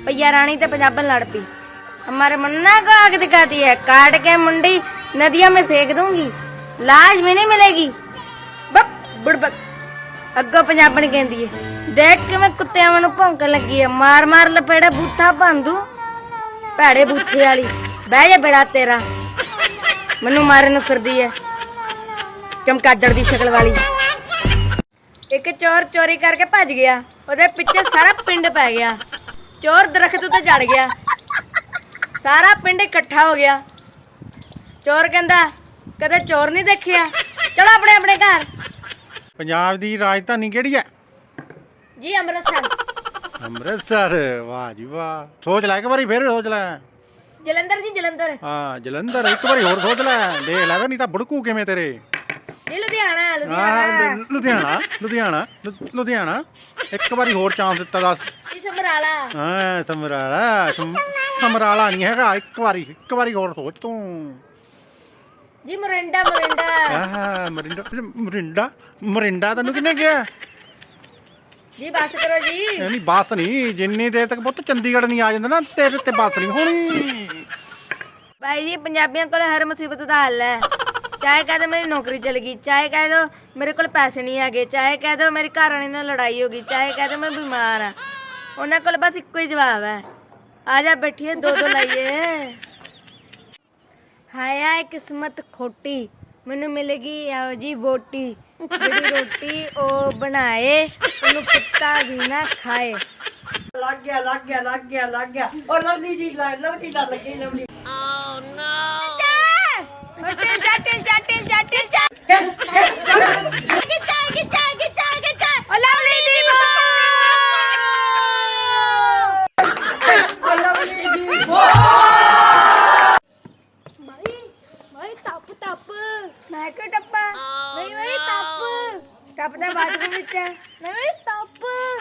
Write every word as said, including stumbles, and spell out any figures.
भैया रानी तो पंजाबन लड़ पी। हमारे मन्ना को आग दिखाती है, काट के मुंडी नदियों में फेंक दूंगी, लाश भी नहीं मिलेगी। बक बुड़बक अगो पंजाबन कहती है, देख के मैं कुत्ते वालों भौंकन लगी है, मार मार लपेड़े बूथा भन दूं। भैड़े बूथे वाली बह जा बेड़ा तेरा, मैनू मारन नूं फिरदी है चमकादड़ दी शक्ल वाली। एक चोर चोरी करके भज गया, ਉਹਦੇ ਪਿੱਛੇ सारा पिंड पै गया। चोर दरख्त उत्ते चढ़ गया, सारा पिंड इकट्ठा हो गया। चोर कहंदा कदे चोर नहीं देखिया, चलो अपने अपने घर। पंजाब दी राजधानी केड़ी है? जी अमृतसर। अमृतसर, वाह जी वाह। सोच लै एक बारी फिर सोच लै। जलंधर जी जलंधर। हाँ जलंधर, एक बारी होर सोच लै, देख लै नहीं तां बुड़कू किवें तेरे। जी लुधियाना लुधियाना हाँ लुधियाना लुधियाना लु- लुधियाना एक बारी होर चांस दिता दस। जी समराला। हाँ समराला, सम- समराला नहीं हैगा, एक बारी एक बारी होर सोच तू। जी मोरिंडा मोरिंडा। हाँ मरिंडा मरिंडा मरिंडा तेनू किन्ने कहा? जी बस करो जी। नहीं बस नहीं, जिन्नी देर तक पुत्त चंडीगढ़ नहीं आ जांदा ना तेरे ते बस नहीं होनी। भाई जी पंजाबियों को हर मुसीबत का हल है। चाहे कह दो मेरी नौकरी चल गई, चाहे कह दो मेरे को पैसे नहीं है, चाहे कह दो मेरी घर वाली नाल लड़ाई हो गई, चाहे कह दो मैं बीमार हाँ, उन्होंने को बस इको ही जवाब है, आ जा बैठिए दो दो लाइए। हाय हाय किस्मत खोटी, मैनू मिलेगी आओ जी वोटी, जेड़ी रोटी ओ बनाए उन्हें कुत्ता भी ना खाए। लग गया लग गया लग गया लग गया और लवली जी लवली ना लगी लवली। टिल जा टिल जा टिल जा टिल जा गिचा गिचा गिचा गिचा ओ लवली दी बो लवली जी वो भाई भाई टप टप मैं क्यों टप्पा नहीं भाई टप टप दा बाथरूम विच है नहीं भाई टप